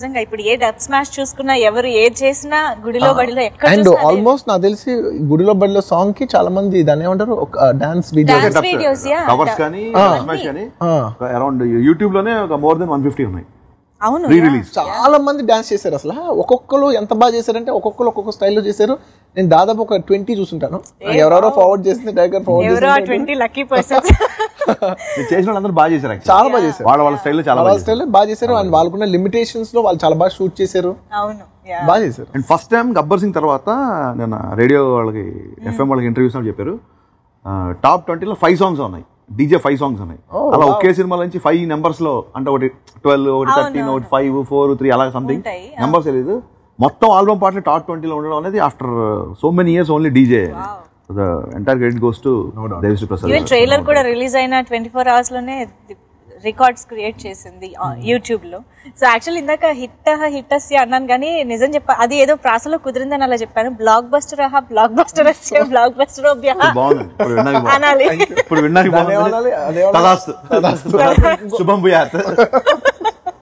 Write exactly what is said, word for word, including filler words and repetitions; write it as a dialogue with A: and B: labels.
A: నిజంగా ఇప్పుడు ఏ dub smash చూసుకున్నా ఎవరు ఏది చేసినా గుడిలో బడిలో ఎక్కడ
B: అండ్ ఆల్మోస్ట్ నాకు తెలిసి గుడిలో బడిలో సాంగ్ కి చాలా మంది దాన్ని ఏమంటారు ఒక డాన్స్
A: వీడియోస్
C: కవర్స్ కానీ స్మాష్ కానీ అరౌండ్ యూట్యూబ్ లోనే ఒక మోర్ దెన్ వన్ ఫిఫ్టీ ఉన్నాయి.
A: అవును,
B: చాలా మంది డాన్స్ చేశారు. అసలు ఒక్కొక్కరు ఎంత బాగా చేశారంటే ఒక్కొక్కరు ఒక్కొక్క స్టైల్లో చేశారు. నేను దాదాపు ఒక ట్వంటీ చూసుంటాను. ఎవరెవరో ఫార్వర్డ్ చేసింది టైగర్ ఫార్వర్డ్
C: చేసిన వాళ్ళందరూ బాగా చేశారు,
B: చాలా బాగా చేశారు.
C: వాళ్ళ వాళ్ళ స్టైల్లో చాలా
B: వాళ్ళ స్టైల్లో బాగా చేశారు. అండ్ వాళ్ళకున్న లిమిటేషన్స్ లో వాళ్ళు చాలా బాగా షూట్ చేశారు, బాగా చేశారు.
C: And first time Gabbar Singh తర్వాత నేను రేడియో వాళ్ళకి ఎఫ్ఎం వాళ్ళకి ఇంటర్వ్యూస్ చెప్పారు టాప్ ట్వంటీలో ఫైవ్ సాంగ్స్ ఉన్నాయి, డీజే ఫైవ్ సాంగ్స్ ఉన్నాయి. అలా ఒకే సినిమా నుంచి ఫైవ్ నెంబర్స్ లో అంటే ఒకటి ట్వెల్వ్ ఒకటి థర్టీన్ ఒకటి ఫైవ్ ఫోర్ త్రీ అలా సంథింగ్ నెంబర్స్ తెలియదు. మొత్తం ఆల్బమ్ పాటలు టాప్ ట్వంటీలో ఉండడం అనేది after so many years only DJ. The entire credit goes to Devi's Prasad.
A: Even trailer kuda release aina twenty-four hours lone records create chesindi YouTube lo. So actually indaka hit hit asya annan gani nijam cheppa adi edo prasalo kudirindani ala cheppanu. Blockbuster aha blockbuster asya blockbuster obya
C: బాగుంది. ఇప్పుడు విన్నాక
A: అనాలి,
C: ఇప్పుడు విన్నాక బాగుంది. తదాస్తు తదాస్తు శుభం భూయాత్.